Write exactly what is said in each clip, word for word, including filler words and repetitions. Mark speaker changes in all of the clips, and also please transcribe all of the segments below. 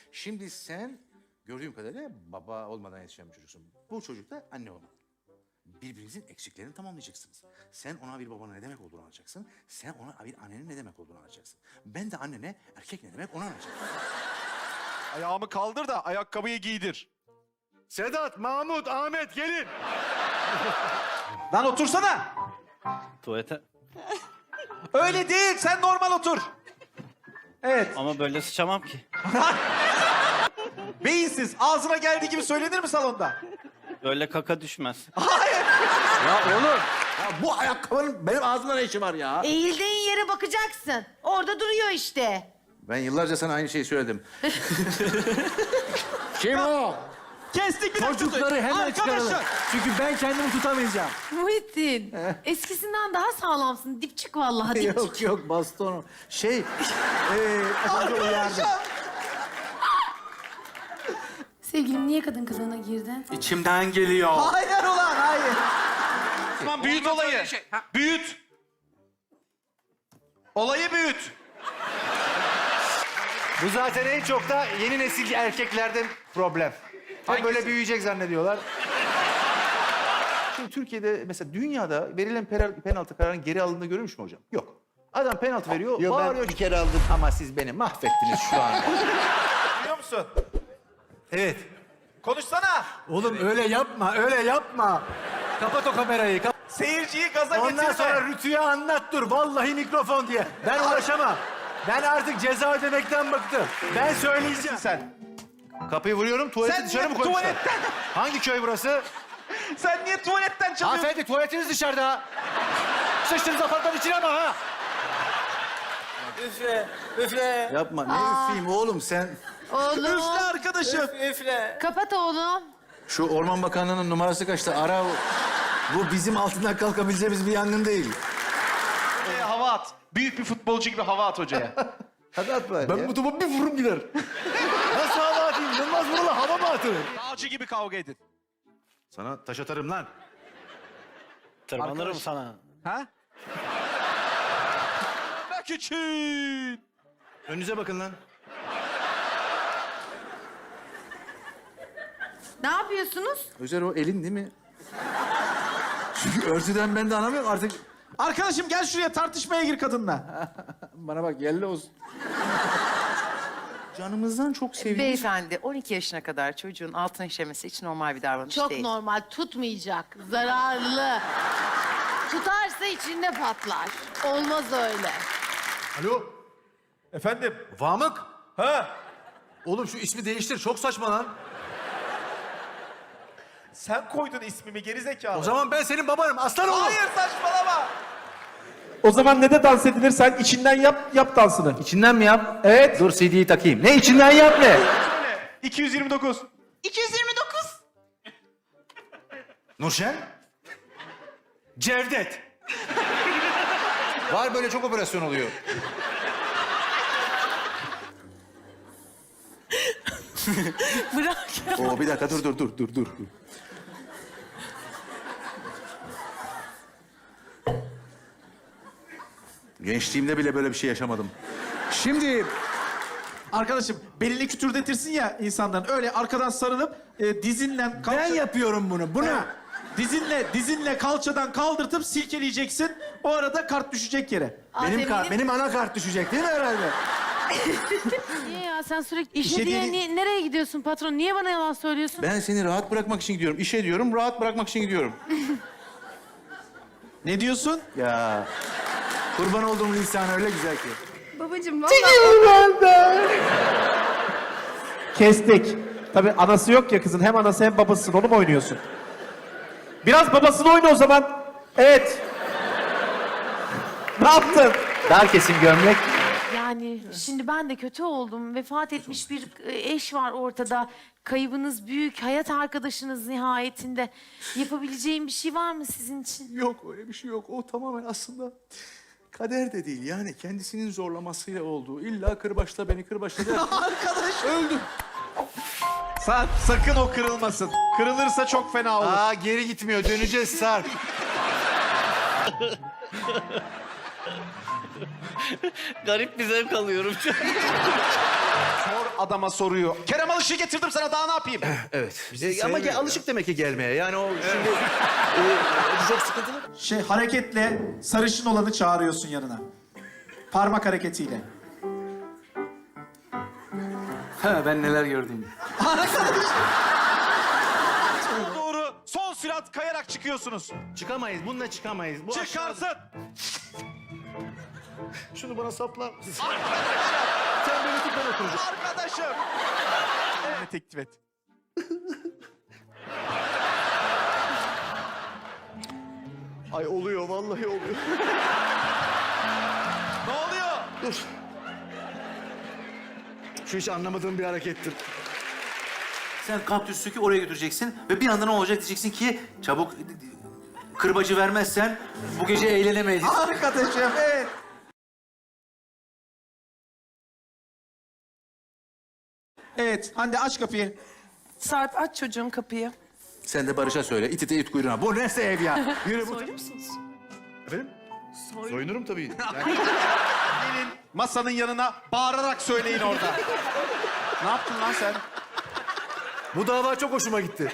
Speaker 1: Şimdi sen gördüğüm kadarıyla baba olmadan yetişen bir çocuksun. Bu çocuk da anne olmalı. Birbirinizin eksiklerini tamamlayacaksınız. Sen ona bir babanın ne demek olduğunu anlatacaksın. Sen ona bir annenin ne demek olduğunu anlatacaksın. Ben de annene erkek ne demek onu anlatacağım.
Speaker 2: Ayağımı kaldır da ayakkabıyı giydir.
Speaker 3: Sedat, Mahmut, Ahmet gelin.
Speaker 4: Lan otursana.
Speaker 5: Tuvalete.
Speaker 4: Öyle değil. Sen normal otur. Evet.
Speaker 5: Ama böyle sıçamam ki.
Speaker 4: Beyinsiz. Ağzına geldiği gibi söylenir mi salonda?
Speaker 5: Böyle kaka düşmez.
Speaker 1: Ya oğlum, ya bu ayakkabının benim ağzımda ne işi var ya?
Speaker 6: Eğildiğin yere bakacaksın. Orada duruyor işte.
Speaker 1: Ben yıllarca sana aynı şeyi söyledim. Kim o?
Speaker 4: Kestik bir dakika.
Speaker 3: Çocukları hemen çıkaralım.
Speaker 4: Arkadaşlar.
Speaker 3: Çünkü ben kendimi tutamayacağım.
Speaker 6: Muhittin, eskisinden daha sağlamsın. Dipçik vallahi dipçik.
Speaker 1: Yok yok baston. Şey, eee az önce uyardım.
Speaker 6: Sevgilim niye kadın kılığına girdin?
Speaker 2: İçimden geliyor.
Speaker 4: Hayır ulan hayır.
Speaker 2: Tamam büyüt olayı. Büyüt. Olayı büyüt.
Speaker 3: Bu zaten en çok da yeni nesil erkeklerden problem. Hep böyle büyüyecek zannediyorlar.
Speaker 7: Şimdi Türkiye'de mesela dünyada verilen per- penaltı kararının geri alındığını görmüş mü hocam? Yok. Adam penaltı veriyor,
Speaker 1: Yo, ben
Speaker 7: bağırıyor.
Speaker 1: bir kere aldım.
Speaker 7: Ama siz beni mahvettiniz şu an.
Speaker 4: Biliyor musun?
Speaker 3: Evet.
Speaker 4: Konuşsana.
Speaker 3: Oğlum öyle yapma, öyle yapma. Kapat o kamerayı. Kap-
Speaker 4: Seyirciyi gaza
Speaker 3: Ondan
Speaker 4: getirme.
Speaker 3: sonra Rütü'ye anlat dur. Vallahi mikrofon diye. Ben uğraşamam. Ben artık ceza ödemekten bıktım. Ben söyleyeceğim.
Speaker 4: Sen.
Speaker 7: Kapıyı vuruyorum, tuvaleti
Speaker 4: Sen
Speaker 7: dışarı
Speaker 4: niye
Speaker 7: mı koymuşlar?
Speaker 4: tuvaletten,
Speaker 7: Hangi köy burası?
Speaker 4: sen niye tuvaletten çalıyorsun?
Speaker 3: Hanımefendi tuvaletiniz dışarıda. Sıçtınız apartmanın içine ama ha.
Speaker 5: Üfle, üfle,
Speaker 1: Yapma, ne üfleyeyim oğlum sen?
Speaker 6: Oğlum,
Speaker 4: Üfle arkadaşım.
Speaker 5: üfle.
Speaker 6: kapat oğlum.
Speaker 1: Şu Orman Bakanlığı'nın numarası kaçtı? Ara. Bu bizim altından kalkabileceğimiz bir yangın değil.
Speaker 2: Ee, hava at. Büyük bir futbolcu gibi hava at hocaya.
Speaker 7: Hadi at bari
Speaker 3: Ben
Speaker 7: ya.
Speaker 3: bu topu bir vururum gider. Nasıl hava atayım? Yılmaz Vural'a hava mı atılır?
Speaker 2: Dağcı gibi kavga edin.
Speaker 7: Sana taş atarım lan.
Speaker 5: Tırmanırım sana.
Speaker 4: Ha?
Speaker 2: Bak için.
Speaker 7: Önünüze bakın lan.
Speaker 6: Ne yapıyorsunuz?
Speaker 1: Özer o elin değil mi? Çünkü örtüden ben de anlamıyorum artık.
Speaker 4: Arkadaşım gel şuraya tartışmaya gir kadınla.
Speaker 1: Bana bak yerli olsun. Canımızdan çok seviyoruz.
Speaker 8: Beyefendi on iki yaşına kadar çocuğun altın işemesi hiç normal bir davranış
Speaker 6: Çok
Speaker 8: değil.
Speaker 6: normal, tutmayacak. Zararlı. Tutarsa içinde patlar. Olmaz öyle.
Speaker 3: Alo,
Speaker 4: Efendim?
Speaker 3: Vamık.
Speaker 4: Ha?
Speaker 3: Oğlum şu ismi değiştir. Çok saçma lan.
Speaker 4: Sen koydun ismimi gerizekalı.
Speaker 3: O zaman ben senin babanım. Aslan oğlum.
Speaker 4: Hayır saçmalama. O zaman ne de dans edilir? Sen içinden yap, yap dansını.
Speaker 7: İçinden mi yap?
Speaker 4: Evet.
Speaker 7: Dur C D'yi takayım. Ne içinden yap ne?
Speaker 2: iki yüz yirmi dokuz.
Speaker 8: iki yüz yirmi dokuz.
Speaker 7: Nurşen?
Speaker 3: Cevdet.
Speaker 7: Var böyle çok operasyon oluyor.
Speaker 8: Bırak.
Speaker 1: Oo bir dakika dur dur dur dur dur. Gençliğimde bile böyle bir şey yaşamadım. Şimdi
Speaker 4: Arkadaşım belini kütürdetirsin ya insanların. Öyle arkadan sarılıp e, dizinle kalça...
Speaker 3: Ben yapıyorum bunu. Bunu.
Speaker 4: Ha. Dizinle, dizinle kalçadan kaldırtıp silkeleyeceksin. O arada kart düşecek yere.
Speaker 3: Benim
Speaker 6: Aferin.
Speaker 3: kar, benim ana kart düşecek değil mi herhalde?
Speaker 6: Niye ya? Sen sürekli işe
Speaker 4: İşe
Speaker 6: diye
Speaker 4: değil-
Speaker 6: niye- nereye gidiyorsun patron? Niye bana yalan söylüyorsun?
Speaker 1: ben seni rahat bırakmak için gidiyorum. İşe diyorum, rahat bırakmak için gidiyorum.
Speaker 4: Ne diyorsun?
Speaker 1: Ya kurban olduğum lisan öyle güzel ki.
Speaker 6: Babacığım vallahi...
Speaker 4: Kestik. Tabii anası yok ya kızın. Hem anası hem babasısın. Onu mu oynuyorsun? Biraz babasını oyna o zaman. Evet. Ne yaptın?
Speaker 7: Dar kesim gömlek.
Speaker 6: Yani şimdi ben de kötü oldum. Vefat etmiş bir e, eş var ortada. Kaybınız büyük. Hayat arkadaşınız nihayetinde. Yapabileceğim bir şey var mı sizin için?
Speaker 1: Yok öyle bir şey yok. O tamamen aslında kader de değil. Yani kendisinin zorlamasıyla olduğu. İlla kırbaçla beni kırbaçladı.
Speaker 4: Arkadaş öldüm. Sa sakın o kırılmasın. Kırılırsa çok fena olur.
Speaker 3: Aa geri gitmiyor. Döneceğiz Sarp.
Speaker 5: Garip bir zevk alıyorum.
Speaker 2: Sor adama soruyor. Kerem Alışık'ı getirdim sana, daha ne yapayım?
Speaker 7: Evet. E, ama gel, alışık demek ki gelmeye. Yani o şimdi e, çok sıkıntılı.
Speaker 4: Şey hareketle sarışın olanı çağırıyorsun yanına. Parmak hareketiyle.
Speaker 3: Ha, ben neler gördüm.
Speaker 2: Doğru. Son sürat kayarak çıkıyorsunuz.
Speaker 7: Çıkamayız. Bununla çıkamayız. Bu
Speaker 2: Çıkarsın.
Speaker 7: Şunu bana saplar mısın? Sen böyle tut, ben oturacağım.
Speaker 2: Arkadaşım. Evet, teklif et.
Speaker 7: Ay oluyor, vallahi oluyor.
Speaker 2: Ne oluyor?
Speaker 7: Dur. Şu hiç anlamadığım bir harekettir.
Speaker 3: Sen kaktüs sökü oraya götüreceksin ve bir anda ne olacak diyeceksin ki çabuk kırbacı vermezsen bu gece eğlenemeyiz.
Speaker 4: Arkadaşım evet. Evet Hande aç kapıyı.
Speaker 8: Sarp aç çocuğun kapıyı.
Speaker 1: Sen de Barış'a söyle. İt ite it kuyruğuna. Bu ne ev ya? Yürü bu.
Speaker 8: Soyur musunuz?
Speaker 7: Efendim? Soyunurum tabii.
Speaker 2: Gelin masanın yanına bağırarak söyleyin orada. Ne yaptın lan sen?
Speaker 3: Bu dava çok hoşuma gitti.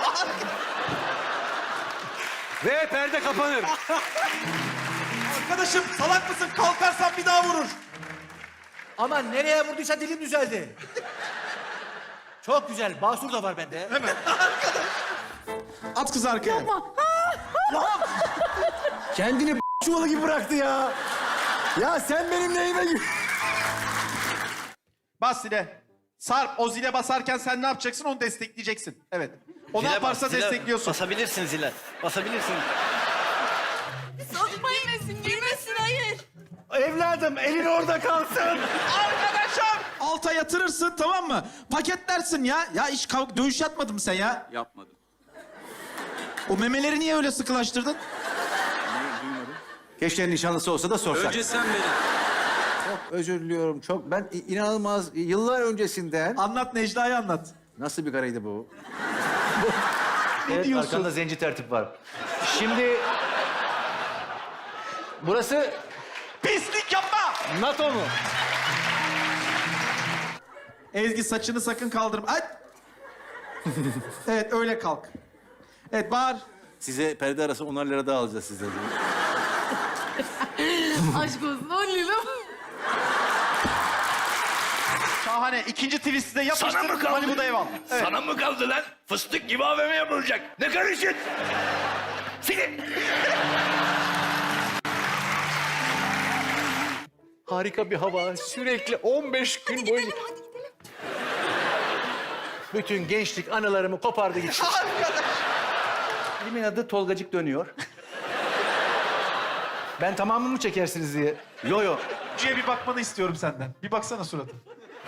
Speaker 3: Ve perde kapanır.
Speaker 2: Arkadaşım salak mısın? Kalkarsan bir daha vurur.
Speaker 3: Ama nereye vurduysa dilim düzeldi. Çok güzel. Basur da var bende.
Speaker 4: At kızı arkaya.
Speaker 3: Kendini b- çuvalı gibi bıraktı ya. Ya sen benim neyime gir...
Speaker 2: Bas zile. Sarp o zile basarken sen ne yapacaksın? Onu destekleyeceksin. Evet. O ne
Speaker 5: Zile
Speaker 2: yaparsa
Speaker 5: bas, zile
Speaker 2: destekliyorsun.
Speaker 5: Basabilirsin zile. Basabilirsin.
Speaker 6: Girmesin, girmesin, hayır.
Speaker 3: Evladım elin orada kalsın.
Speaker 2: Arkadaşım!
Speaker 4: Alta yatırırsın tamam mı? Paketlersin ya. Ya hiç kav- dövüş yatmadın mı sen ya?
Speaker 3: Yapmadım.
Speaker 4: O memeleri niye öyle sıkılaştırdın?
Speaker 1: Keşke nişanlısı olsa da sorsak.
Speaker 3: Önce sen beni.
Speaker 1: Çok özür diliyorum. Çok ben i- inanılmaz yıllar öncesinden.
Speaker 4: Anlat Necla'yı anlat.
Speaker 1: Nasıl bir karıydı bu?
Speaker 3: Evet,
Speaker 2: diyorsun?
Speaker 3: arkanda zenci tertip var. Şimdi... Burası
Speaker 2: Pislik yapma!
Speaker 3: NATO mu?
Speaker 4: Ezgi saçını sakın kaldırma. Ay! Evet öyle kalk. Evet bağır.
Speaker 1: Size perde arası onar lira daha alacağız sizden.
Speaker 6: Aşk olsun, on lira.
Speaker 2: Şahane. İkinci twist'i de yapıştır. Malibu'da ev al. Evet.
Speaker 9: Sana mı kaldı lan? Fıstık gibi A V M yapılacak. Ne karışın? Seni.
Speaker 7: Harika bir hava. Sürekli on beş gün boyunca... Bütün gençlik anılarımı kopardı gitti. Filmin adı Tolgacık Dönüyor. Ben tamamını mı çekersiniz diye. Yo yo.
Speaker 2: Ciye bir bakmanı istiyorum senden. Bir baksana suratına.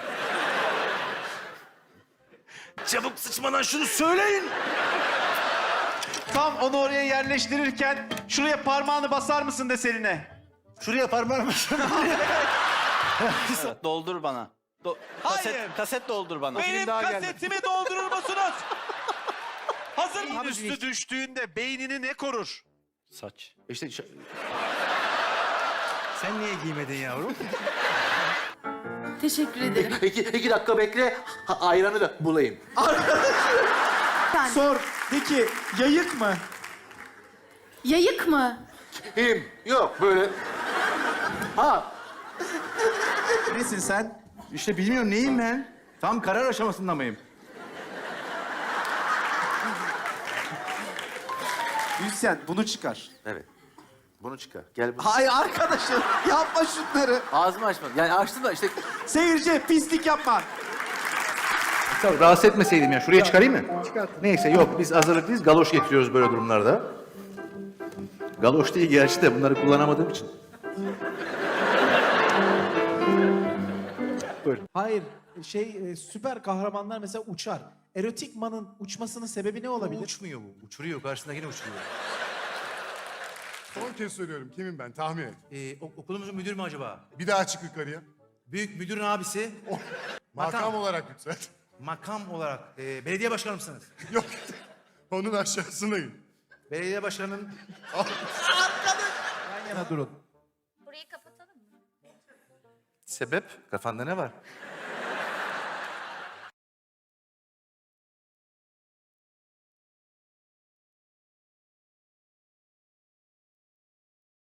Speaker 9: Çabuk sıçmadan şunu söyleyin.
Speaker 2: Tam onu oraya yerleştirirken şuraya parmağını basar mısın deseline.
Speaker 7: Şuraya parmağını mısın?
Speaker 5: Evet, doldur bana. Do- kaset,
Speaker 2: Hayır.
Speaker 5: kaset doldur bana.
Speaker 2: Benim
Speaker 7: daha gelmedi.
Speaker 2: kasetimi doldurur musunuz? Hazır mı?
Speaker 4: Abi,
Speaker 2: Üstü düştüğünde beynini ne korur?
Speaker 5: Saç.
Speaker 7: İşte... ş- Sen niye giymedin yavrum?
Speaker 6: Teşekkür ederim.
Speaker 1: iki, iki dakika bekle. Ha, ayranı da bulayım.
Speaker 6: Yani,
Speaker 4: Sor. De ki yayık mı?
Speaker 6: yayık mı?
Speaker 1: Kim? Yok böyle. Ha
Speaker 4: Nesin sen?
Speaker 1: işte bilmiyorum neyim ben. Tam karar aşamasında mıyım?
Speaker 4: Müzisyen bunu çıkar.
Speaker 1: Evet. Bunu çıkar. Gel bunu.
Speaker 4: Hayır arkadaşım yapma şunları.
Speaker 1: Ağzımı açmadım. Yani açtım da işte.
Speaker 4: Seyirci pislik yapma.
Speaker 7: Tamam, rahatsız etmeseydim ya. Şuraya çıkarayım mı? Çıkart. Neyse yok biz hazırlıklıyız. Galoş getiriyoruz böyle durumlarda. Galoş değil gerçi de bunları kullanamadığım için.
Speaker 4: Hayır şey e, süper kahramanlar mesela uçar. Erotik manın uçmasının sebebi ne olabilir?
Speaker 7: Uçmuyor bu. Uçuruyor. Karşısındakine uçuruyor.
Speaker 10: Son kez söylüyorum. Kimim ben? Tahmin et.
Speaker 3: Ee, ok- okulumuzun müdürü mü acaba?
Speaker 10: Bir daha çık yukarıya.
Speaker 3: Büyük müdürün abisi.
Speaker 10: Makam
Speaker 3: Makam.
Speaker 10: olarak yükselt.
Speaker 3: Makam olarak. e, belediye başkanı mısınız?
Speaker 10: Yok. Onun aşağısına in.
Speaker 3: Belediye başkanının...
Speaker 4: Yan yana durun.
Speaker 6: Burayı kapatalım mı?
Speaker 7: Sebep? Kafanda ne var?